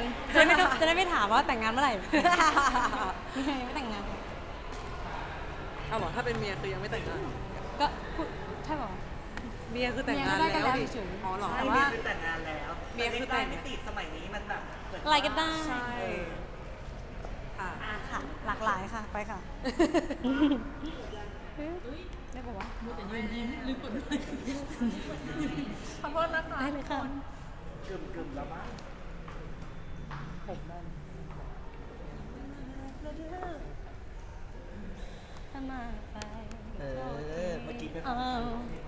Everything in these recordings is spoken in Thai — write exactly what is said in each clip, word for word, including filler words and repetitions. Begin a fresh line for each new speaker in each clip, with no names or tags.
านจะได้ไม่ต้องจะได้ไม่ถามว่าแต่งงานเมื่อไหร่ ไม่แต่งงาน
เอาบอกถ้าเป็นเมียคือยังไม่แต่งงาน
ก็พูดใช่ป่ะ
เมียคือแต่งงาน
เมียก็ได้กัน
แล้ว
แล้ว
ดิ
เฉยๆ
อ๋อเหรอ
ใช่
แต่
เมี
ว่า
ยคือแต่งงานแล้ว
เมียคือแต่ง
ไม่ติดสมัยนี้มันแบบเหมือน
อะไรก็ได้
ใช่ค่ะ
อ่ะ
ค่ะ หลากหลายค่ะ ไปค่ะได้ป่าวะ
มัวแต่ยืนยิ้มลืมกดด้วย
ขอโทษนะคะ
ได้เลยค่ะ
กึ่มกึ่มๆแล้วมั้ง
ผมได้
ถ้ามาไป
เออเมื่อกี้เป็น
เออ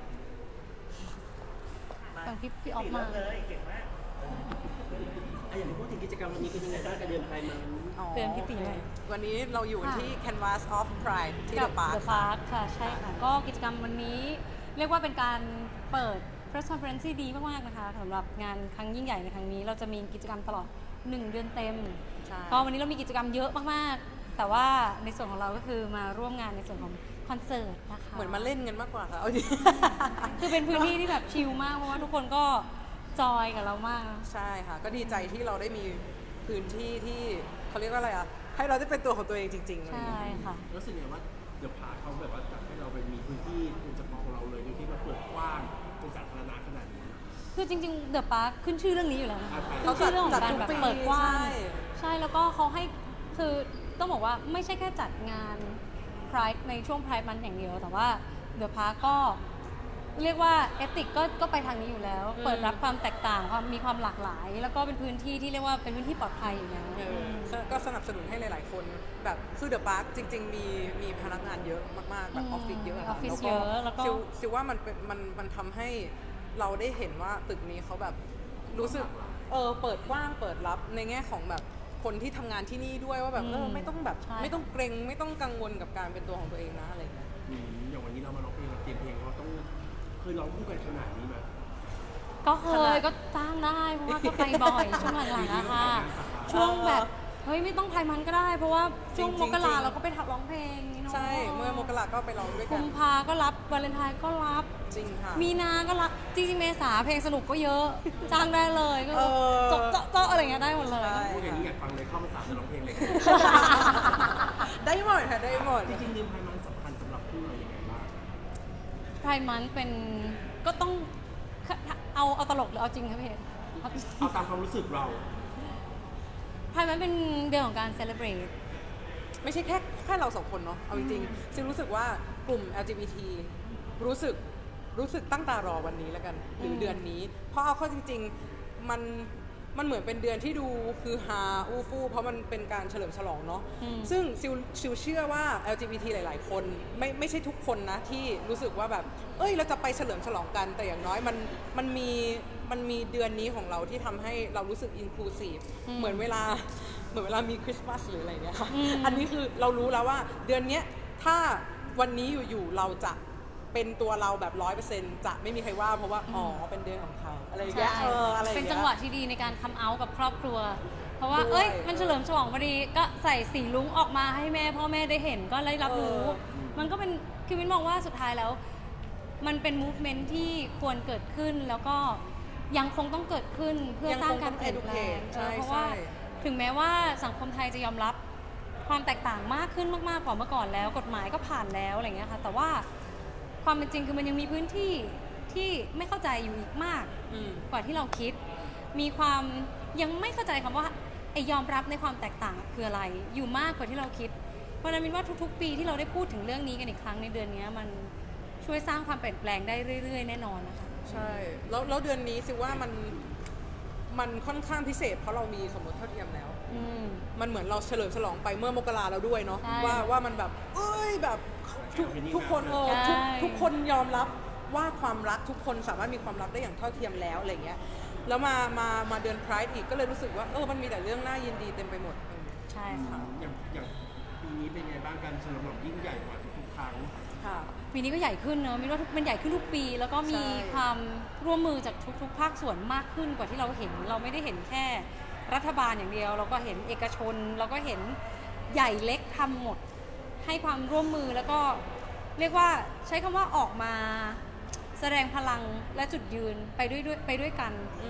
ฟังพี่พี่ออฟมา
เลยเก่งมาก
อ่ะอย่างที่พูดถึงกิจกรรมวันนี้เป็นยังไงบ้างกับเดือนไพมัน
เตือนพี่ตีหน่อย
วันนี้เราอยู่
ค่ะ
ที่ Canvas of Pride ที่
กั
The
บ
Park
The Park ค่ะ ใช่ค่ะ ก็กิจกรรมวันนี้เรียกว่าเป็นการเปิด press conference ที่ดีมากๆนะคะสำหรับงานครั้งยิ่งใหญ่ในครั้งนี้ เราจะมีกิจกรรมตลอด หนึ่ง เดือนเต็ม
ใช่
ก็วันนี้เรามีกิจกรรมเยอะมากๆ แต่ว่าในส่วนของเราก็คือมาร่วมงานในส่วนของคอนเสิร์ตนะคะ
เหมือนมาเล่นกันมากกว่าค่ะเอาดิ
คือเป็นพื้นที่ที่แบบชิลมากเพราะว่าทุกคนก็จอยกับเรามาก
ใช่ค่ะ ก็ดีใจที่เราได้มีพื้นที่ที่เขาเรียกว่าอะไรอ่ะ ให้เราได้เป็นตัวของตัวเองจริงๆอะไร
ใช่
อย่างเงี้ย
ค่ะ
รู้สึกไงว่าเดี๋ยวพาเขาแบบว่าจัดให้เราไปมีพื้นที่เป็นเฉพาะของเราเลยโดยที่มาเปิดกว้างเป็นสาธารณะขนาดนี้
คือจริงๆเดอะปาร์คขึ้นชื่อเรื่องนี้อยู่แล้วนะคะ
เขา
ขึ้นชื่อเรื่องของ
จัด
การ
ทุก
แบบ
ปี
เปิดกว้าง
ใช่
ใช่แล้วก็เขาให้คือต้องบอกว่าไม่ใช่แค่จัดงาน Pride ในช่วง Pride มันอย่างเดียว แต่ว่าเดอะพาร์คก็เรียกว่าเอติกก็ก็ไปทางนี้อยู่แล้ว เปิดรับความแตกต่างความมีความหลากหลาย แล้วก็เป็นพื้นที่ที่เรียกว่าเป็นพื้นที่ปลอดภัยอยู่แล้ว
เออก็สนับสนุนให้หลาย ๆ คนแบบคือเดอะพาร์คจริง ๆ มีมีพนักงานเยอะมากๆ แบบออฟฟิศเยอะ
อ
ค่ะ
อฟฟิศเยอะแล้วก็
ซิลซิลว่ามันเป็นมันมันทำให้เราได้เห็นว่าตึกนี้เขาแบบรู้สึกเออเปิดกว้างเปิดรับในแง่ของแบบคนที่ทำงานที่นี่ด้วยว่าแบบเออไม่ต้องแบบ
ใช่
ไม่ต้องเกรงไม่ต้องกังวลกับการเป็นตัวของตัวเองนะอะไรอย่างเงี้ย
อืมอย่างวันนี้เรามาร้องเพลงเราเตรียมเพลงเราต้องเคยร้องคู่กันขนาดนี้ไหม
ก็เคยก็จ้างได้เพราะว่าก็ไปบ่อย ช่วงหลังๆนะคะช่วงแบบเฮ้ยไม่ต้องไทยมันก็ได้ เพราะว่าช่วง
จริ
ม
งๆ
กรา
จริง
เราก็ไปทับร้องเพลงนี่เนาะ
ใช่เมื่อมกราก็ไปร้องด้วยกั
กุ
น
มภาก็รับวาเลนไทน์ก็รับ
จริงค่ะ
มีนาก็รับจริงๆเมษาเพลงสนุกก็เยอะ จ้างได้เลยก็
เออ
เจาะเจาะเจาะอะไรเงี้ยได้หมดเลย
ใช่
พูดอย่างนี้อยากฟังเลยเข้ามาสามจะร้องเพลงเลย
ได้หมดค่ะได้หมด
จริงๆเดือนไพมันสำคัญสำหรับคู่เราอย่างไรบ้าง
ไพร์มันเป็นก็ต้องเอาเอาตลกหรือเอาจริงครับพี่เอก
เอาตามความรู้สึกเรา
ไพร์มันเป็นเดือนของการเซเลบรต
ไม่ใช่แค่แค่เราสองคนเนาะ เอาจริงๆซิลรู้สึกว่ากลุ่ม แอล จี บี ที รู้สึกรู้สึกตั้งตารอวันนี้แล้วกัน หรืออ
ม
เดือนนี้ เพราะเอาเข้าจริงๆ มันมันเหมือนเป็นเดือนที่ดูคือฮาอูฟู่เพราะมันเป็นการเฉลิมฉลองเนาะ
อืม
ซึ่งซิลซิลเชื่อว่า แอล จี บี ที หลาย ๆ คนไม่ไม่ใช่ทุกคนนะที่รู้สึกว่าแบบ เอ้ยเราจะไปเฉลิมฉลองกัน แต่อย่างน้อยมันมันมีมันมีเดือนนี้ของเราที่ทำให้เรารู้สึกอินคลูซีฟ
อืม
เหมือนเวลา เหมือนเวลามีคริสต์มาสหรืออะไรเงี้ยค่ะ
อืม
อันนี้คือเรารู้แล้วว่าเดือนเนี้ยถ้าวันนี้อยู่ๆเราจะเป็นตัวเราแบบร้อยเปอร์เซ็นต์จะไม่มีใครว่าเพราะว่าอ๋อเป็นเดือนของเขาอะไรอย่างเงี้ย
ใช่
เอออะไรอย่าง
เป็น
เงี้ย
จังหวะที่ดีในการคัมเอาท์กับครอบครัว เพราะว่า
ด้วย
เอ้ย มันเฉลิมฉลองพอดี ก็ใส่สีลุ้งออกมาให้แม่พ่อแม่ได้เห็นก็ได้รับรู้
เออ
มันก็เป็นคือมินมองว่าสุดท้ายแล้ว มันเป็นมูฟเมนท์ที่ควรเกิดขึ้น แล้วก็ยังคงต้องเกิดขึ้นเพื่อสร้างการเปลี่ยนแปลง
ใช่
เออเพราะว่า
ใช่
ถึงแม้ว่าสังคมไทยจะยอมรับความแตกต่างมากขึ้นมากๆกว่าเมื่อก่อนแล้ว กฎหมายก็ผ่านแล้วอะไรอย่างเงี้ยค่ะ แต่ว่าความเป็นจริงคือมันยังมีพื้นที่ที่ไม่เข้าใจอยู่อีกมาก
อืม
กว่าที่เราคิด มีความยังไม่เข้าใจคำว่าไอยอมรับในความแตกต่างคืออะไร อยู่มากกว่าที่เราคิด เพราะฉะนั้นมินว่าทุกๆ ปีที่เราได้พูดถึงเรื่องนี้กันอีกครั้งในเดือนนี้มันช่วยสร้างความเปลี่ยนแปลงได้เรื่อยๆ แน่นอนนะคะ
ใช่ แล้วแล้วเดือนนี้ซิว่ามันมันค่อนข้างพิเศษเพราะเรามีสมรสเท่าเทียมแล้ว
อืม
มันเหมือนเราเฉลิมฉลองไปเมื่อมกราแล้วด้วยเนาะ
ใช่
ว่าว่ามันแบบเอ้ยแบบทุกทุกคนเออ
ใช่
ทุกทุกคนยอมรับว่าความรักทุกคนสามารถมีความรักได้อย่างเท่าเทียมแล้วอะไรเงี้ยแล้วมามามาเดือนไพร์อีกก็เลยรู้สึกว่าเออมันมีแต่เรื่องน่ายินดีเต็มไปหมดเออ
ใช่ค่ะ
อย่างอย่างปีนี้เป็นไงบ้างการเฉลิมฉลองยิ่งใหญ่กว่าทุกๆครั้ง
ค่ะ
ปีนี้ก็ใหญ่ขึ้นเนอะมินว่าทุกมันใหญ่ขึ้นทุกปี แล้วก็มี
ใช่
ความร่วมมือจากทุกๆ ภาคส่วนมากขึ้นกว่าที่เราเห็น เราไม่ได้เห็นแค่รัฐบาลอย่างเดียว เราก็เห็นเอกชน เราก็เห็นใหญ่เล็กทำหมด ให้ความร่วมมือแล้วก็เรียกว่าใช้คำว่าออกมาแสดงพลังและจุดยืนไปด้วยด้วยไปด้วยกัน
อืม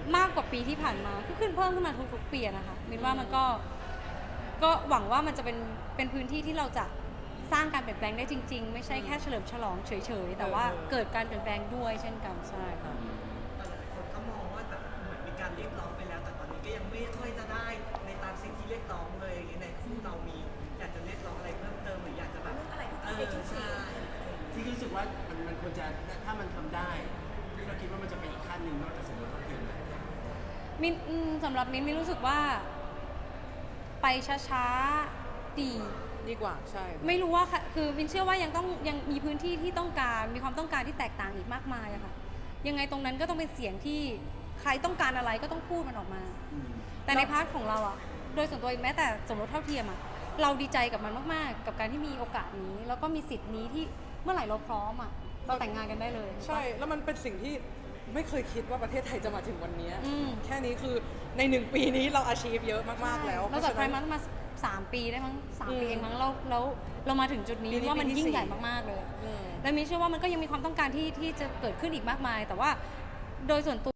มากกว่าปีที่ผ่านมาก็ขึ้นเพิ่มขึ้นมาทุกๆปีอะนะคะมินว่ามันก็ก็หวังว่ามันจะเป็นเป็นพื้นที่ที่เราจะสร้างการเปลี่ยนแปลงได้จริงๆ ไม่ใช่แค่เฉลิมฉลองเฉยๆแต่ว่าเกิดการเปลี่ยนแปลงด้วยเช่นกันใช่ค่ะ
แต่หลายคนก็มองว่าแบบเหมือนมีการเรียกร้องไปแล้ว แต่ตอนนี้ก็ยังไม่ค่อยจะได้ในตามสิ่งที่เรียกร้องเลยอย่างเงี้ยในคู่เรามีอยากจะเรียกร้องอะไรเพิ่มเติมหรืออยากจะแบบอะไรที่เป็นชุดชี
ที่รู้สึกว่ามันมันควรจะถ้ามันทำได้ที่เราคิดว่ามันจะเป็นอีกขั้นหนึ่งนอกจากสมรสเท่าเทียมแล้ว
มินอืมสำหรับมินมินรู้สึกว่าไปช้าๆดี
ดีกว่าใช่
ไม่รู้ว่าค่ะคือมินเชื่อว่ายังต้องยังมีพื้นที่ที่ต้องการมีความต้องการที่แตกต่างอีกมากมายอะค่ะยังไงตรงนั้นก็ต้องเป็นเสียงที่ใครต้องการอะไรก็ต้องพูดมันออกมา แต่ในพาร์ทของเราอะโดยส่วนตัวเองแม้แต่สมรสเท่าเทียมอะเราดีใจกับมันมากๆ กับการที่มีโอกาสนี้ แล้วก็มีสิทธิ์นี้ที่เมื่อไหร่เราพร้อมอะเราแต่งงานกันได้เลย
ใช่แล้วมันเป็นสิ่งที่ไม่เคยคิดว่าประเทศไทยจะมาถึงวันนี้
อืม
แค่นี้คือในหนึ่งปีนี้เราอาชีพเยอะมากๆแล้ว
เราจัดไพร์มันมาสามปีได้มั้งสามปีเองมั้งแล้วแล้วเรามาถึงจุดนี้
ปีนี้
ว่ามัน
ปีที่
ยิ่งใหญ่
สี่
มากๆเลย
อืม
และมินเชื่อว่ามันก็ยังมีความต้องการที่ที่จะเกิดขึ้นอีกมากมาย แต่ว่าโดยส่วนตัว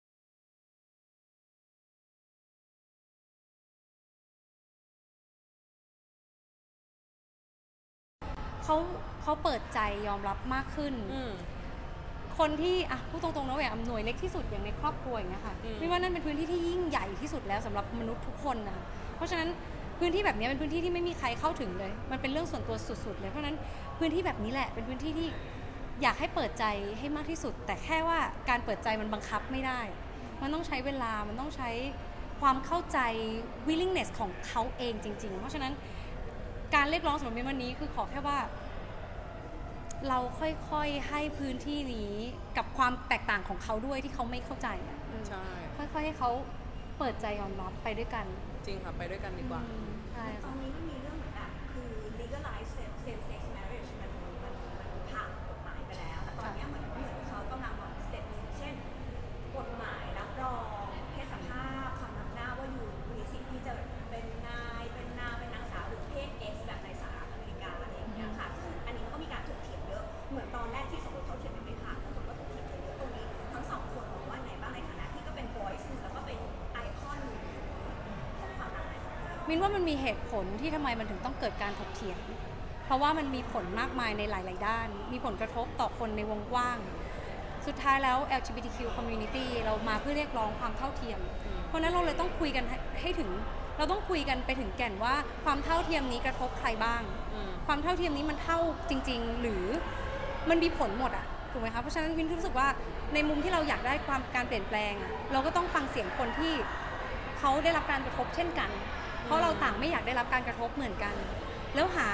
เขาเขาเปิดใจยอมรับมากขึ้น
อืม
คนที่อ่ะพูดตรงๆนะแหวนหน่วยเล็กที่สุดอย่างในครอบครัวอย่างเงี้ยค่ะ
อืม
มินว่านั่นเป็นพื้นที่ที่ยิ่งใหญ่ที่สุดแล้วสำหรับมนุษย์ทุกคนนะคะเพราะฉะนั้นพื้นที่แบบนี้เป็นพื้นที่ที่ไม่มีใครเข้าถึงเลย มันเป็นเรื่องส่วนตัวสุดๆเลยเพราะฉะนั้นพื้นที่แบบนี้แหละเป็นพื้นที่ที่อยากให้เปิดใจให้มากที่สุด แต่แค่ว่าการเปิดใจมันบังคับไม่ได้ มันต้องใช้เวลามันต้องใช้ความเข้าใจ willingness ของเขาเองจริง ๆ เพราะฉะนั้นการเรียกร้องสำหรับมินวันนี้คือขอแค่ว่า เราค่อยๆให้พื้นที่นี้กับความแตกต่างของเขาด้วยที่เขาไม่เข้าใจอะอืม
ใช่
ค่อยๆให้เขาเปิดใจยอมรับไปด้วยกัน
จริงค่ะ ไปด้วยกันดีกว่า
อืมใช่
ตอ
ค่ะ
นนี้มันมีเรื่องเหมือนแบบคือ legalize same same sex marriage มันมันมันผ่านกฎหมายไปแล้ว แต่ตอนเนี้ยเหมือนเหมือนเขากำลังบอกสเต็ปหนึงเช่น กฎหมายรับรองเพศสภาพความนำหน้าว่าอยู่มีสิทธิ์ที่จะเป็นนายเป็นนางเป็นนางสาวหรือเพศ X แบบในสหรัฐอเมริกาอะไรอย่างเงี้ยค่ะซึ่งอันนี้มันก็มีการถกเถียงเยอะ เหมือนตอนแรกที่สมรสเท่าเทียมยังไม่ผ่านแล้วคนก็ถกเถียงกันเยอะตรงนี้ทั้งสองคนมองว่าไงบ้างในฐานะที่ก็เป็น voice แล้วก็เป็นไอคอนหนึ่งของความหมาย
มินว่ามันมีเหตุผลที่ทำไมมันถึงต้องเกิดการถกเถียง เพราะว่ามันมีผลมากมายในหลาย ๆ ด้าน มีผลกระทบต่อคนในวงกว้าง สุดท้ายแล้ว แอล จี บี ที คิว community เรามาเพื่อเรียกร้องความเท่าเทียม เพราะฉะนั้นเราเลยต้องคุยกันให้ให้ถึง เราต้องคุยกันไปถึงแก่นว่าความเท่าเทียมนี้กระทบใครบ้าง
อืม
ความเท่าเทียมนี้มันเท่าจริง ๆ หรือมันมีผลหมดอะถูกไหมคะ เพราะฉะนั้นวินรู้สึกว่าในมุมที่เราอยากได้ความการเปลี่ยนแปลงอะเราก็ต้องฟังเสียงคนที่เขาได้รับการกระทบเช่นกัน เพราะเราต่างไม่อยากได้รับการกระทบเหมือนกัน แล้วหา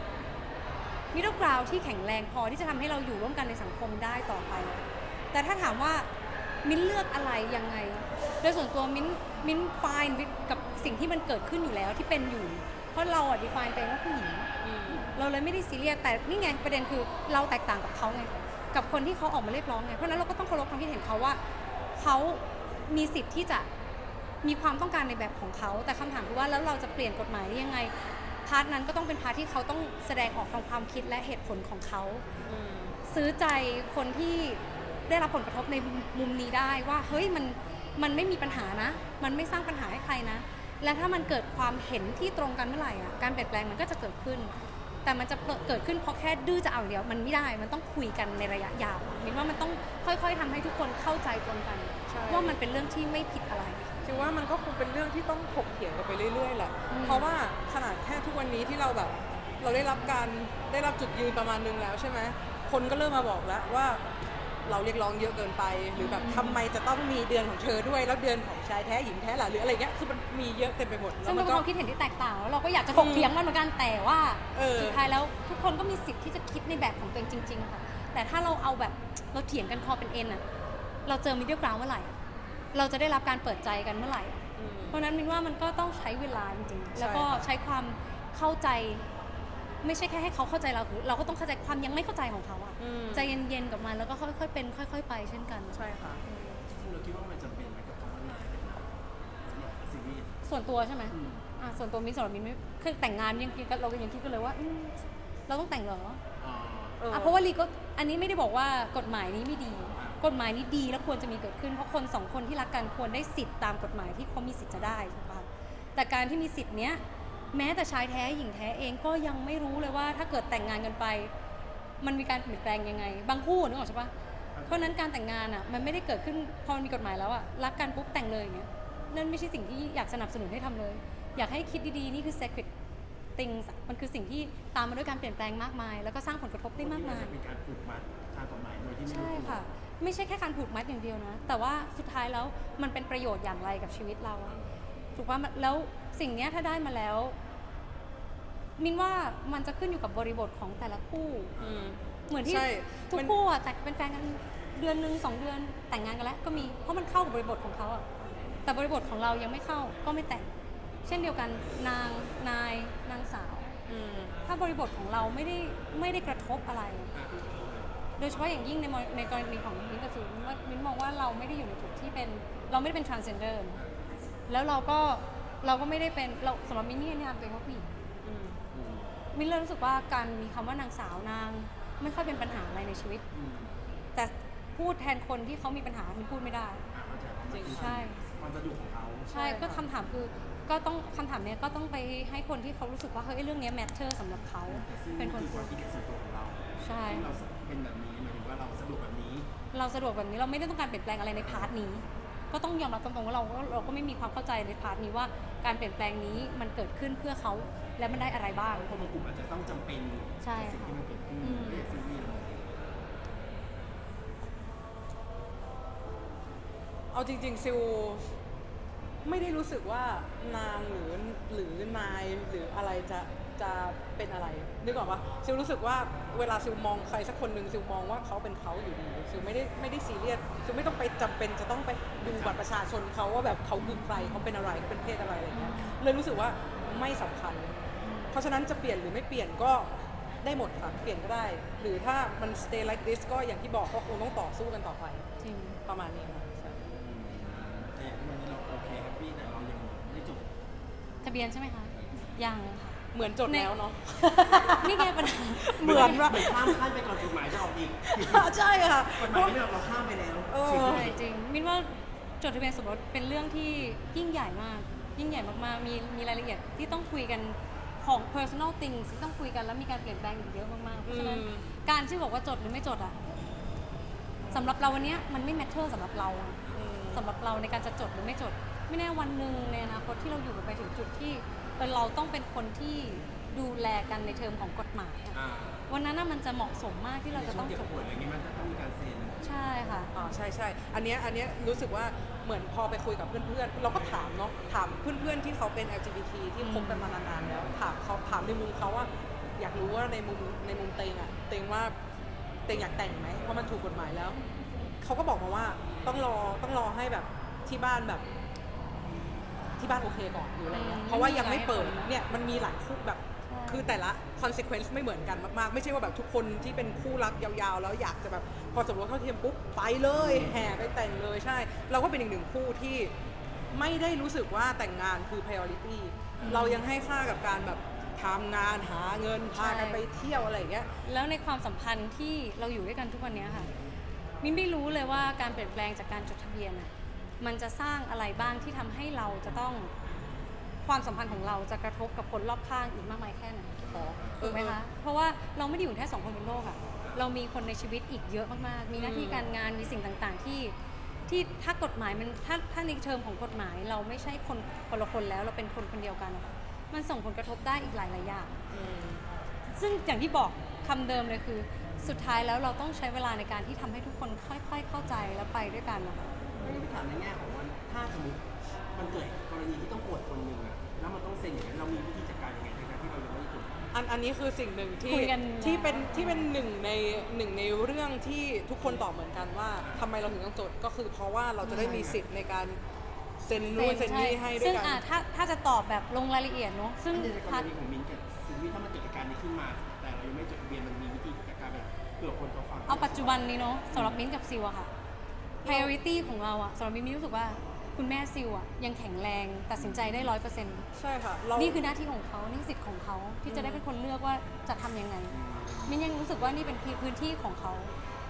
middle ground ที่แข็งแรงพอที่จะทำให้เราอยู่ร่วมกันในสังคมได้ต่อไป แต่ถ้าถามว่ามิ้นเลือกอะไรยังไง โดยส่วนตัวมิ้นมิ้น fine with กับสิ่งที่มันเกิดขึ้นอยู่แล้วที่เป็นอยู่ เพราะเราอะ define ตัวเองว่าผู้หญิง
อืม
เราเลยไม่ได้ซีเรียสแต่นี่ไงประเด็นคือเราแตกต่างกับเขาไงกับคนที่เขาออกมาเรียกร้องไงเพราะฉะนั้นเราก็ต้องเคารพความคิดเห็นเขาว่าเขามีสิทธิ์ที่จะมีความต้องการในแบบของเขาแต่คำถามคือว่าแล้วเราจะเปลี่ยนกฎหมายได้ยังไงพาร์ทนั้นก็ต้องเป็นพาร์ทที่เขาต้องแสดงออกทางความคิดและเหตุผลของเขา
อืม
ซื้อใจคนที่ได้รับผลกระทบในมุมนี้ได้ว่าเฮ้ยมันมันไม่มีปัญหานะ มันไม่สร้างปัญหาให้ใครนะ และถ้ามันเกิดความเห็นที่ตรงกันเมื่อไหร่อ่ะการเปลี่ยนแปลงมันก็จะเกิดขึ้น แต่มันจะเกิดขึ้นเพราะแค่ดื้อจะเอาอย่างเดียวมันไม่ได้มันต้องคุยกันในระยะยาวมินว่ามันต้องค่อยๆทำให้ทุกคนเข้าใจตรงกัน
ใช่
ว่ามันเป็นเรื่องที่ไม่ผิดอะไร
คิดว่ามันก็คงเป็นเรื่องที่ต้องถกเถียงกันไปเรื่อยๆแหละ
อืม
เพราะว่าขนาดแค่ทุกวันนี้ที่เราแบบ เราได้รับการได้รับจุดยืนประมาณนึงแล้วใช่ไหมคนก็เริ่มมาบอกแล้วว่าเราเรียกร้องเยอะเกินไป หรือแบบทำไมจะต้องมีเดือนของเธอด้วยแล้วเดือนของชายแท้หญิงแท้ล่ะหรืออะไรเงี้ยคือมันมีเยอะเต็มไปหมด
ซึ่ง
มั
เป็น
ก็
ความคิดเห็นที่แตกต่างแล้วเราก็อยากจะถกเถียงมันเหมือนกันแต่ว่า
เออ
สุดท้ายแล้วทุกคนก็มีสิทธิ์ที่จะคิดในแบบของตัวเองจริงๆค่ะแต่ถ้าเราเอาแบบเราเถียงกันคอเป็นเอ็นอะเราเจอมิดเดิลกราวด์เมื่อไหร่อะเราจะได้รับการเปิดใจกันเมื่อไหร่อะ
อืม
เพราะฉะนั้นมินว่ามันก็ต้องใช้เวลาจริง
ใช่
ๆ แล้วก็ใช้ความเข้าใจ ไม่ใช่แค่ให้เขาเข้าใจเราเราก็ต้องเข้าใจความยังไม่เข้าใจของเขาอะ
อืม
ใจเย็นๆกับมันแล้วก็ค่อยๆเป็นค่อย ๆ ไปเช่นกัน
ใช่ค่ะ
จริงๆเราคิดว่ามันจำเป็นไหมกับคำว่านายเป็นนายสำหรับซีรีส์
ส่วนตัวใช่ไหม
อืม
อ่ะส่วนตัวมินสำหรับมินไม่คือแต่งงานยังคิดกันเราก็ยังคิดกันเลยว่าอืมเราต้องแต่งเหรอ
อ่า
เออ
อ่ะเพราะว่าลีก็อันนี้ไม่ได้บอกว่ากฎหมายนี้ไม่ดี
อ่า
กฎหมายนี้ดีและควรจะมีเกิดขึ้นเพราะคนสองคนที่รักกันควรได้สิทธิ์ตามกฎหมายที่เขามีสิทธิ์จะได้ใช่ปะแต่การที่มีสิทธิ์เนี้ยแม้แต่ชายแท้หญิงแท้เองก็ยังไม่รู้เลยว่าถ้าเกิดแต่งงานกันไป มันมีการเปลี่ยนแปลงยังไง บางคู่นึกออกใช่ปะเพราะฉะนั้นการแต่งงานอ่ะมันไม่ได้เกิดขึ้นพอมันมีกฎหมายแล้วอ่ะรักกันปุ๊บแต่งเลยอย่างเงี้ยนั่นไม่ใช่สิ่งที่อยากสนับสนุนให้ทำเลย อยากให้คิดดีๆนี่คือ sacred things มันคือสิ่งที่ตามมาด้วยการเปลี่ยนแปลงมากมาย แล้วก็สร้างผลกระทบได้มากมาย
เป็นการผูกมัดทางกฎหมายโดยที่ไม่รู้
ใช่
ตัว
ค่ะ ไม่ใช่แค่การผูกมัดอย่างเดียวนะ แต่ว่าสุดท้ายแล้วมันเป็นประโยชน์อย่างไรกับชีวิตเราอะถูกป่ะแล้วสิ่งเนี้ยถ้าได้มาแล้ว มินว่ามันจะขึ้นอยู่กับบริบทของแต่ละคู่
อืม
เหมือนที่
ใช่
ทุก
มัน
คู่อะแต่เป็นแฟนกันเดือนหนึ่งสองเดือนแต่งงานกันแล้วก็มีเพราะมันเข้ากับบริบทของเขาอะแต่บริบทของเรายังไม่เข้าก็ไม่แต่ง เช่นเดียวกันนางนายนางสาว
อืม
ถ้าบริบทของเราไม่ได้ไม่ได้กระทบอะไร โดยเฉพาะอย่างยิ่งในมในกรณีของมิ้นท์กับซูมิ้นว่ามิ้นมองว่าเราไม่ได้อยู่ในจุดที่เป็นเราไม่ได้เป็น transgender แล้วเราก็เราก็ไม่ได้เป็นเราสำหรับมิ้นท์นี่เนี่ยตัวเองว่าผู้หญิง
อืม
มิ้นเลยรู้สึกว่าการมีคำว่านางสาวนางไม่ค่อยเป็นปัญหาอะไรในชีวิต
อืม
แต่พูดแทนคนที่เขามีปัญหามิ้นพูดไม่ได้
อ่ะเข้าใจความหมาย
ใช่
ความสะดวกของเขา
ใช่ก็คำถามคือก็ต้องคำถามเนี้ยก็ต้องไปให้คนที่เขารู้สึกว่าเฮ้ยเรื่องเนี้ย matter สำหรับเขา
แต่ซึ่ง
เป็นคน
คือความคิดเห็นส่วนตัวของเรา
ใช่
ที่เราเป็นแบบนี้หมายถึงว่าเราสะดวกแบบนี้
เราสะดวกแบบนี้เราไม่ได้ต้องการเปลี่ยนแปลงอะไรในพาร์ทนี้ ก็ต้องยอมรับตรงๆว่าเราก็เราก็ไม่มีความเข้าใจในพาร์ทนี้ว่าการเปลี่ยนแปลงนี้มันเกิดขึ้นเพื่อเขาและมันได้อะไรบ้าง
คนบางกลุ่มอาจจะต้องจำเป็น
ใช่
กับสิ่งที่มันเกิดขึ้น
อืม
เรียกซีรีส์เลย
เอาจริงๆซิลไม่ได้รู้สึกว่านางหรือหรือนายหรืออะไรจะจะเป็นอะไรนึกออกปะซิลรู้สึกว่าเวลาซิลมองใครสักคนหนึ่งซิลมองว่าเขาเป็นเขาอยู่ดีซิลไม่ได้ไม่ได้ซีเรียสซิลไม่ต้องไปจำเป็นจะต้องไปดูบัตรประชาชนเขาว่าแบบเขาคือใครเขาเป็นอะไรเขาเป็นเพศอะไรอะไรเงี้ยเลยรู้สึกว่าไม่สำคัญ เพราะฉะนั้นจะเปลี่ยนหรือไม่เปลี่ยนก็ได้หมดค่ะเปลี่ยนก็ได้ หรือถ้ามัน stay like this ก็อย่างที่บอกก็คงต้องต่อสู้กันต่อไป
จริง
ประมาณนี้ค่ะใช่
แต่อย่างที่วันนี้เราโอเคแฮปปี้แต่เรายังไม่จบ
ทะเบียนใช่ไหมคะยังค่ะ
เหมือนจดแล้วเนาะ
นี่ไงปัญหา
เหมือนว่า
เหมือนข้ามขั้นไปก่อนกฎหมายจะออกอีก
ใช่ค่ะ
กฎหมายไม่ออกเราข้ามไปแล้ว
เออ
ใช่จริงมินว่าจดทะเบียนสมรสเป็นเรื่องที่ยิ่งใหญ่มาก ยิ่งใหญ่มากๆ มีมีรายละเอียดที่ต้องคุยกันของ personal things ที่ต้องคุยกันแล้วมีการเปลี่ยนแปลงอีกเยอะมากๆ เพราะฉะนั้น
อืม
การที่บอกว่าจดหรือไม่จดอะสำหรับเราวันเนี้ยมันไม่ matter สำหรับเราอะ
อืม
สำหรับเราในการจะจดหรือไม่จด ไม่แน่วันหนึ่งในอนาคตที่เราอยู่กันไปถึงจุดที่เออเราต้องเป็นคนที่ดูแลกันในเทอมของกฎหมายอะ
อ่า
วันนั้นน่ะมันจะเหมาะสมมากที่เราจะต้อง
ใน
จ
ช่ว
ด
เก็บป่วยอะไรเงี้ยมันจะต้องมีการเซ็น
ใช่ค่ะ
อ่าใช่ใช่อันเนี้ยอันเนี้ยรู้สึกว่าเหมือนพอไปคุยกับเพื่อนๆ เราก็ถามเนาะถามเพื่อนๆที่เขาเป็น แอล จี บี ที ที่คบกันมานานๆแล้วถามเขาถามในมุมเขาว่า อยากรู้ว่าในมุมในมุมเตงอะเตงว่าเตงอยากแต่งไหมเพราะมันถูกกฎหมายแล้วเขาก็บอกมาว่าต้องรอต้องรอให้แบบที่บ้านแบบที่บ้านโอเคก่อนหรืออะไรเงี้ย
อืม
เพราะว่ายังไม่เปิด
ไม่มีหลายคน
เนี่ยมันมีหลายคู่แบบ
ใช่
คือแต่ละ consequence ไม่เหมือนกันมากๆ ไม่ใช่ว่าแบบทุกคนที่เป็นคู่รักยาวๆ แล้วอยากจะแบบพอสมรสเท่าเทียมปุ๊บไปเลยแห่ไปแต่งเลยใช่ เราก็เป็นอีกหนึ่งคู่ที่ไม่ได้รู้สึกว่าแต่งงานคือ priority เรายังให้ค่ากับการแบบทำงานหาเงินพากันไปเที่ยวอะไรอย่างเงี้ย
แล้วในความสัมพันธ์ที่เราอยู่ด้วยกันทุกวันนี้ค่ะ มินไม่รู้เลยว่าการเปลี่ยนแปลงจากการจดทะเบียนอ่ะมันจะสร้างอะไรบ้างที่ทำให้เราจะต้องความสัมพันธ์ของเราจะกระทบกับคนรอบข้างอีกมากมายแค่ไหน
อ๋อเอ
ถู
อก
ไหมคะ เพราะว่าเราไม่ได้อยู่แค่สองคนบนโลกอะเรามีคนในชีวิตอีกเยอะมากๆ มีหน้าที่การงานมีสิ่งต่างๆที่ที่ถ้ากฎหมายมันถ้าถ้าในเทอมของกฎหมาย เราไม่ใช่คนคนละคนแล้วเราเป็นคนคนเดียวกันอะมันส่งผลกระทบได้อีกหลายๆอย่าง
อืม
ซึ่งอย่างที่บอกคำเดิมเลยคือ สุดท้ายแล้วเราต้องใช้เวลาในการที่ทำให้ทุกคนค่อยๆเข้าใจแล้วไปด้วยกันนะคะ
ไม่ได้ถามในแง่ของว่าถ้าสมมติมันเกิดกรณีที่ต้องปวดคนหนึ่งอะแล้วมันต้องเซ็นอย่างนั้นเรามีวิธีจัดการยังไงในการที่เรายังไม่ได้จด
อันอันนี้คือสิ่งหนึ่งที่
คุยกัน
ที่เป็นที่เป็นหนึ่งในหนึ่งในเรื่องที่ทุกคนตอบเหมือนกันว่าทำไมเราถึงต้องจดก็คือเพราะว่าเราจะได้มีสิทธิ์ในการเซ็นนู่นเซ็นนี่ให้ด้ว
ซึ่
ย
ง
กัน
อ่ะถ้าถ้าจะตอบแบบลงรายละเอียดเนาะซึ่ง
ในก
พาร ร์ท
ณีของมิ้นท์กับซีรีส์ถ้ามันเกิดเหตุการณ์นี้ขึ้นมา แต่เรายังไม่จดทะเบียนมันมีวิธีจัดการแบบเผื่อคนเขาฟัง
เอาปัจจุบันนี้เนาะสำหรับมิ้นท์กับซิวอะค่ะ priority ของเราอะสำหรับมิ้นท์มิ้นรู้สึกว่าคุณแม่ซิวอะยังแข็งแรงตัดสินใจได้ร้อยเปอร์เซ็นต์
ใช่ค่ะเรา
นี่คือหน้าที่ของเขานี่คือสิทธิ์ของเขาที่จะได้เป็นคนเลือกว่าจะทำยังไงมิ้นยังรู้สึกว่านี่เป็นพื้นที่ของเขา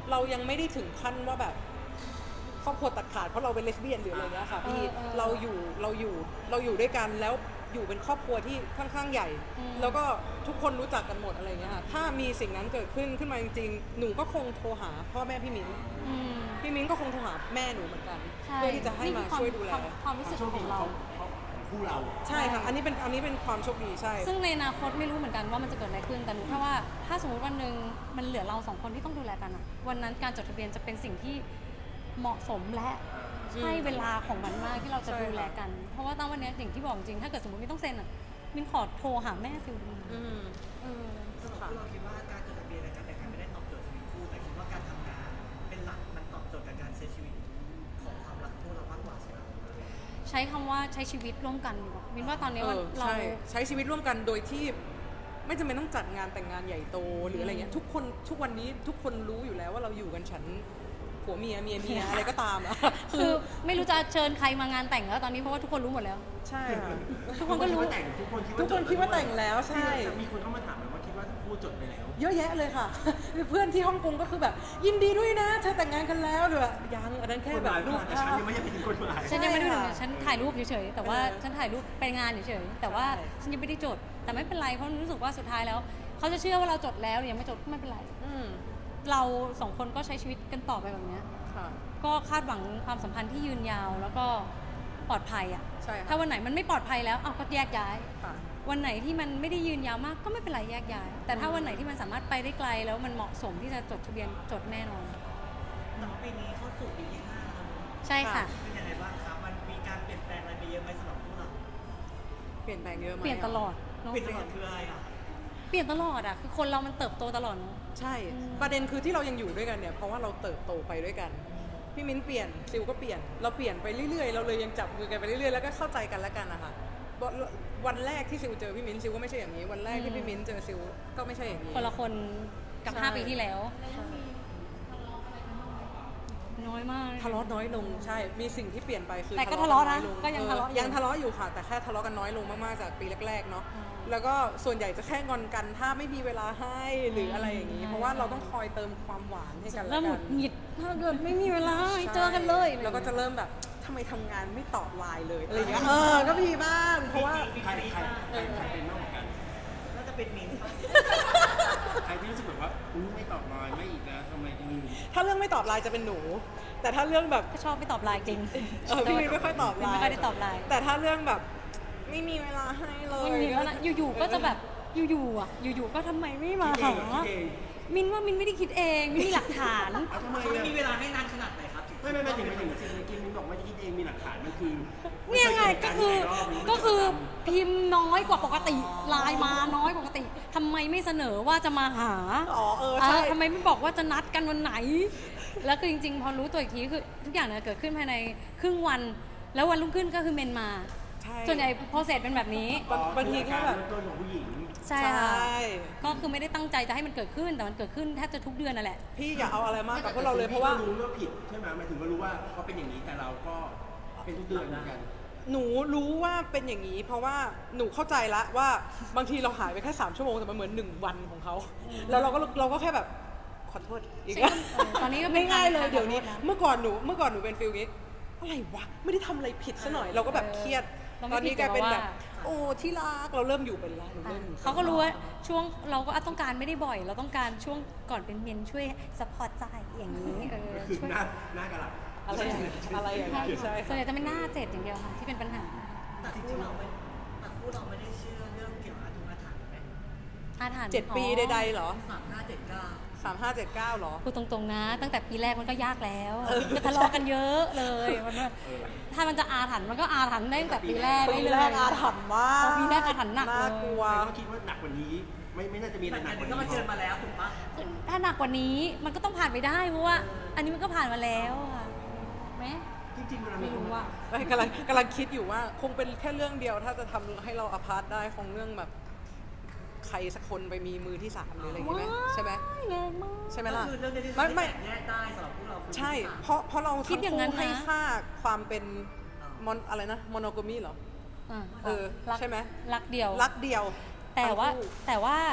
เรายังไม่ได้ถึงขั้นว่าแบบครอบครัวตัดขาดเพราะเราเป็นเลสเบี้ยนหรืออะไรเงี้ยค่ะพี่
เออเออ
เราอยู่เราอยู่เราอยู่ด้วยกันแล้วอยู่เป็นครอบครัวที่ค่อนข้างใหญ่
อืม
แล้วก็ทุกคนรู้จักกันหมดอะไรเงี้ยค่ะถ้ามีสิ่งนั้นเกิดขึ้นขึ้นมาจริงๆหนูก็คงโทรหาพ่อแม่พี่มิ้น
อืม
พี่มิ้นก็คงโทรหาแม่หนูเหมือนกัน
ใช่
เพื่อที่จะให้มา
นี่คือ
ช่วยดูแล
ความความรู้สึกของเรา
ของคู่เรา
ใช่ค่ะอันนี้เป็นอันนี้เป็นความโชคดีใช่
ซึ่งในอนาคตไม่รู้เหมือนกันว่ามันจะเกิดอะไรขึ้น แต่รู้แค่ว่าถ้าสมมติวันหนึ่งมันเหลือเราสองคนที่ต้องดูแลกันอะวันนั้นการจดทะเบียนจะเป็นสิ่งที่เหมาะสมและใช่เวลาของมันมากที่เราจะ
ใช่
ดูแลกัน เพราะว่าตอนวันเนี้ยอย่างที่บอกจริงถ้าเกิดสมมติไม่ต้องเซ็นอะมินขอโทรหาแม่ฟิลดู
อืม
เออ
สำหรับพวกเราคิดว่าการจดทะเบียนและการแต่งงานไม่ได้ตอบโจทย์ชีวิตคู่แต่คิดว่าการทำงานเป็นหลักมันตอบโจทย์กับการใช้ชีวิตของความรักคู่เรามากกว่าใช่ไหม
ใช้คำว่าใช้ชีวิตร่วมกันดีกว่ามินว่าตอนนี้
เอ
มัน
อ
เรา
ใช่ใช้ชีวิตร่วมกันโดยที่ไม่จำเป็นต้องจัดงานแต่งงานใหญ่โตหรืออะไรเงี้ยทุกคนทุกวันนี้ทุกคนรู้อยู่แล้วว่าเราอยู่กันฉันผัวเมียเมียเมียอะไรก็ตามอะ
คือไม่รู้จะเชิญใครมางานแต่งแล้วตอนนี้เพราะว่าทุกคนรู้หมดแล้ว
ใช่ค่ะ
ทุกคนก็รู้
แต่งทุกคนคิดว่า
ทุกคนคิดว่าแต่งแล้วใช่
มีคนเข้ามาถามไหมว่าคิดว่าคู่จดไปแล้ว
เยอะแยะเลยค่ะ เพื่อนที่ฮ่องกงก็คือแบบ ยินดีด้วยนะเธอแต่งงานกันแล้วหรือแบบยังอันนั้นแค่แบบรูป
แต่
ภา
ฉัน
พ
ยังไม่ได้เป็นคนหมาย
ฉันยังไม่ได้ดู
ใช่ค่ะ
ฉันถ่ายรูปเฉยๆ แต่ว่า
เออ
ฉันถ่ายรูปไปงานเฉยๆ แต่ว่า
ใช่
ฉันยังไม่ได้จด แต่ไม่เป็นไร เพราะรู้สึกว่าสุดท้ายแล้ว เขาจะเชื่อว่าเราจดแล้วหรือยังไม่จดก็ไม่เป็นไร
อืม
เราสองคนก็ใช้ชีวิตกันต่อไปแบบเนี้ย
ค่ะ
ก็คาดหวังความสัมพันธ์ที่ยืนยาวแล้วก็ปลอดภัยอ่ะ
ใช่ค่ะ
ถ้าวันไหนมันไม่ปลอดภัยแล้วเอาก็แยกย้าย
ค่ะ
วันไหนที่มันไม่ได้ยืนยาวมากก็ไม่เป็นไรแยกย้าย แต่ถ้าวันไหนที่มันสามารถไปได้ไกลแล้วมันเหมาะสมที่จะจดทะเบียนจดแน่นอน
แต่ว่าปีนี้เข้าสู่ปีที่ห้าแล้วเนอะ
ใช่ค่ะ
เป็นยังไงบ้างครับมันมีการเปลี่ยนแปลงอะไรไปเยอะไหมสำหรับพวกเรา
เปลี่ยนแปลงเยอะไหม
เปลี่ยนตลอดเนอะ
เปลี่ยนตลอดคืออะไรอ่ะ
เปลี่ยนตลอดอ่ะคือคนเรามันเติบโตตลอดเนอะ
ใช่ ประเด็นคือที่เรายังอยู่ด้วยกันเนี่ยเพราะว่าเราเติบโตไปด้วยกัน พี่มิ้นเปลี่ยนซิลก็เปลี่ยนเราเปลี่ยนไปเรื่อยๆ เราเลยยังจับมือกันไปเรื่อยๆ แล้วก็เข้าใจกันและกันนะคะวันแรกที่ซิลเจอพี่มิ้นซิลก็ไม่ใช่อย่างนี้ วันแรกที่พี่มิ้นเจอซิลก็ไม่ใช่อย่างนี้
คนละคนกับ
ใช่
ห้าปีที่แล้ว น้อยมาก
ทะเลาะน้อยลงใช่ มีสิ่งที่เปลี่ยนไปคือ
แต่ก็ทะเลาะนะ
อยลง
ก็ยังทะเลาะอยู่
ยังทะเลาะอยู่ค่ะ แต่แค่ทะเลาะกันน้อยลงมากๆจากปีแรกๆเนาะ
อืม
แล้วก็ส่วนใหญ่จะแค่งอนกันถ้าไม่มีเวลาให้หรืออะไรอย่างนี้
ใช่
เพราะว่าเราต้องคอยเติมความหวานให้กันและ
เริ่มหงุ
กั
ด
น
หงิดถ้าเกิดไม่มีเวลาให้
ใช่
เจอกันเลย
แล้วก็จะเริ่มแบบทำไมทำงานไม่ตอบไลน์เลยอะไรอย่างเงี้ยเออก็มีบ้างเพราะว่า
ใครใครใครใครเป็นมากกว่ากัน
น่าจะเป็นมิ้นท์ครับ
ใครที่รู้สึกแบบว่าอุ้ยไม่ตอบไลน์ไม่อีกแล้วทำไมถึง
ถ้าเรื่องไม่ตอบไลน์จะเป็นหนู แต่ถ้าเรื่องแบบ
ก็ชอบไม่ตอบไลน์จริง
เออพี่มิ้นไม่ค่อยตอบไลน์
ไม่ค่อยได้ตอบไลน์
แต่ถ้าเรื่องแบบไม่มีเวลาให้เลย
มันมีแล้วนะอยู่ๆก็จะแบบอยู่ๆอ่ะอยู่ๆก็ทำไมไม่มา
คิดเอ
หาง
คิดเอง
มินว่ามินไม่ได้คิดเองมินมีหลักฐาน
เอาทำไม
เขาไม่
อะ
มีเวลาให้นานขนาดไหนครับถึง
ไม่ไม่ไม่ถึงไม่ถึงสิ่งเมื่อกี้มิ้นบอกว่าจะคิดเองมีหลักฐานมันคือ
เนี่ยไงก็คือก็คือพิมพ์น้อยกว่าปกติไลน์มาน้อยกว่าปกติทำไมไม่เสนอว่าจะมาหา
อ๋อเออ
เอ
ใช่
อทำไมไม่บอกว่าจะนัดกันวันไหน แล้วคือจริงๆ พอรู้ตัวอีกทีคือทุกอย่างเนี่ยเกิดขึ้นภายในครึ่งวัน แล้ววันรุ่งขึ้นก็คือเมนมา
ใช่
ส่วนใหญ่โปรเซสเป็นแบบนี้
บางบางทีแค่แบบ
ตัวของผู้หญิง
ใช่ค่ะ
ใช่
ก็คือไม่ได้ตั้งใจจะให้มันเกิดขึ้น แต่มันเกิดขึ้นแทบจะทุกเดือนนั่นแหละ
พี่อย่าเอาอะไรมากกับพวกเราเลยเพราะว่า
รู้ว่าผิดใช่ไหมหมายถึงว่ารู้ว่าเขาเป็นอย่างนี้แต่เราก็เป็นทุกเดือนเหมือนกัน
หนูรู้ว่าเป็นอย่างนี้ เพราะว่าหนูเข้าใจละว่าบางทีเราหายไปแค่สามชั่วโมงแต่มันเหมือนหนึ่งวันของเขาแล้วเราก็เราก็แค่แบบขอโทษอีก
ใช่
แล้ว
เออตอนนี้ก็เป็น
ง่ายๆเลย
การ
เดี๋ยวนี้
ขอโทษนะ
เมื่อก่อนหนูเมื่อก่อนหนูเป็นฟิลนี้อะไรวะไม่ได้ทำอะไรผิดซะหน่อยเราก็แบบเครียด
เราไม่
ตอนนี้กลายเป็นแบบ
ผิดแต่ว่า
โอ้ที่รักเราเริ่มอยู่เป็นละหนูเริ่มอยู่
เขาก็รู้ว่าช่วงเราก็ต้องการไม่ได้บ่อย เราต้องการช่วงก่อนเป็นเมนช่วยสปอร์ตใจอย่างนี้เออ
คือ
ช่วย
หน้าหน้ากระหลับ
อะไรอย่างเงี้ยอะไรอย่าง
ใช่
เงี้ยใช่
ส่วนใหญ่จะเป็นหน้าเจ็ดอย่างเดียวค่ะที่เป็นปัญหา
แต่คู่เราไม่แต่คู่เราไม่ได้เชื่อเรื่องเกี่ยวกับอาถรรพ์อาถรรพ์ไหม
อาถรรพ์
เจ็ดปี
อ๋อ
ใดๆเหรอ
สามห้าเจ็ดเก้า
สามห้าเจ็ดเก้าเหรอ
พูดตรงๆนะ ตั้งแต่ปีแรกมันก็ยากแล้ว
เออ
ก็ทะเลาะกันเยอะเลยมันว่าถ้ามันจะอาถรรพ์มันก็อาถรรพ์ได้ตั้งแต่ปีแรก
ปี
ได้เลย
แรกอาถรรพ์มาก
ปีแรกอาถรรพ์หนักเลย
น่ากลัว
แต่ก็คิดว่าหนักกว่านี้ ไม่ไม่น่าจะมีอะไร
แต่
หนัก
อัน
กว่า
นี้ก็
นี้
มาเจอมาแล้วถูกปะ
ถ้าหนักกว่านี้มันก็ต้องผ่านไปได้เพราะว่า อันนี้มันก็ผ่านมาแล้วค่ะไหม
จริงๆเวลา
ไม่รู้ว่า
ไม่กำลังกำลังคิดอยู่ว่าคงเป็นแค่เรื่องเดียวถ้าจะทำให้เราอพาร์ตได้คงเรื่องแบบใครสักคนไปมีมือที่สามหรืออะไรอย่างงี้ไหมใช่ไหม
แรงมาก
ใช่ไหม
ก็
ล่ะ
คือเรื่องนี้ที่
ไม่
ทำให้
ไม่
แตกแยกได้สำหรับพวกเราคือ
ใช่
ที่สาม
เพราะเพราะเรา
คิดอย่างนั้นนะ
ให้ค่าความเป็นมอนอะไรนะมอนโกมีเหรอ
อ่ะ
เออ
รัก
ใช่ไหม
รักเดียว
รักเดียว
แต่ว่า
ทั้งคู่
แต่ว่า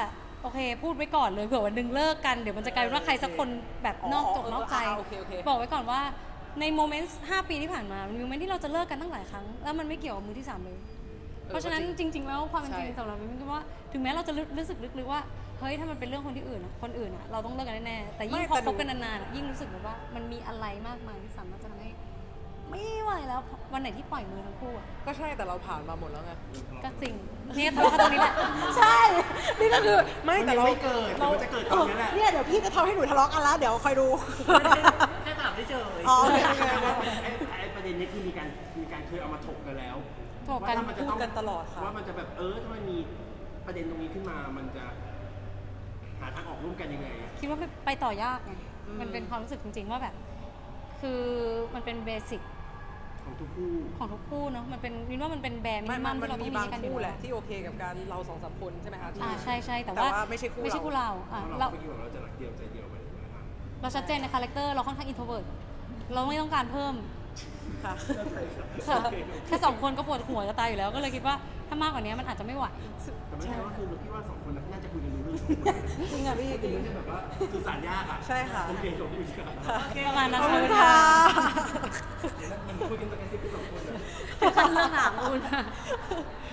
โอเค พูดไว้ก่อนเลยเผื่อวันหนึงเลิกกันเดี๋ยวมันจะกลายเป็นว่าใครสักคนแบบนอกจกนอกใจ
อ๋อโอเคโอเค
บอกไว้ก่อนว่าในโมเมนต์ห้าปีที่ผ่านมามันมีโมเมนต์ที่เราจะเลิกกันตั้งหลายครั้งแล้วมันไม่เกี่ยวกับมือที่สามเลย เพราะฉะนั้นจริง ๆ แล้วความเป็นจริง
ใช่
สำหรับมินคิดว่าถึงแม้เราจะรู้รู้สึกลึกๆว่าเฮ้ยถ้ามันเป็นเรื่องคนที่อื่นอะคนอื่นอะเราต้องเลิกกันแน่ๆแต่ยิ่ง
ไม่
พอ
แต่หนู
คบกันนานๆอะยิ่งรู้สึกแบบว่ามันมีอะไรมากมายที่สามารถจะทำให้ไม่ไหวแล้ววันไหนที่ปล่อยมือทั้งคู่อะ
ก็ใช่แต่เราผ่านมาหมดแล้วไง
ก็จริงเนี่ยทะเลาะกันตรงนี้แหละ
ใช่ นี่ก็คือไม่แต่เรา
มันยังไม่เกิดเดี๋ยวมันจะเกิดตอนนี้แหละ
เนี่ยเดี๋ยวพี่จะทำให้หนูทะเลาะกันแล้ว เดี๋ยวคอยดู
แค่ถามได้เจอ
อ๋อโอเคโอเค
ไอ้ไอ้ประเด็นนี้คือมีการมีการเคยเอามาถกกันแล้ว
ถกกัน
ว่าถ้ามันจะต้อง
พูดกันตลอดค่ะ
ว่ามันจะแบบเออถ้ามันมีประเด็นตรงนี้ขึ้นมามันจะหาทางออกร่วมกันยังไง
คิดว่าไปไปต่อยากไง มันเป็นความรู้สึกจริง ๆ ว่าแบบ คือมันเป็นเบสิก
ของทุกคู่
ของทุกคู่เนาะ มันเป็นมินว่ามันเป็นแบร์มิ
ไม่
นิ
มั
มั
น
ม
มัน
ที่เราต้อ
มี
งมี
บาง
ให้กันอยู่
คู่แห
แล้
ละ
ว
ที่โอเคกับการเราสองสามคนใช่ไหมคะที่
อ่าใช่ใช่แต่
แต่
ว่า
ว่าไม่ใช่คู่
ไม่ใช่
เรา
คู่เราอ่ะ
เพราะ
เรา
เราเมื่อกี้บอกเราจะรักเดียวใจเดียวไปถูกไหมครับ
เราชัดเจนในคาแรคเตอร์เราค่อนข้างอินโทรเวิร์ตเราไม่ต้องการเพิ่ม
ค่ะ
ค่ะแค่สองคนก็ปวดหัวจะตายอยู่แล้ว ก็เลยคิดว่าถ้ามากกว่านี้มันอาจจะไม่ไหว
แต่ไม่ใช่ว่าคือเราคิดว่าสองคนน่าจะคุยกันรู้เรื่องสองคน
จริงอ่ะพี่จริง
มันจะแบบว่าสื่อสารยากอ่ะ
ใช่ค่ะ
ผมเรียนจบอยู่ค่ะ
ค่ะ
ประมาณนั้น
ขอบคุณ
เลย
ค่ะ
มันคุยกันตะแกซิบกันสองคนอะ
ขั้นเรื่องหางคุณ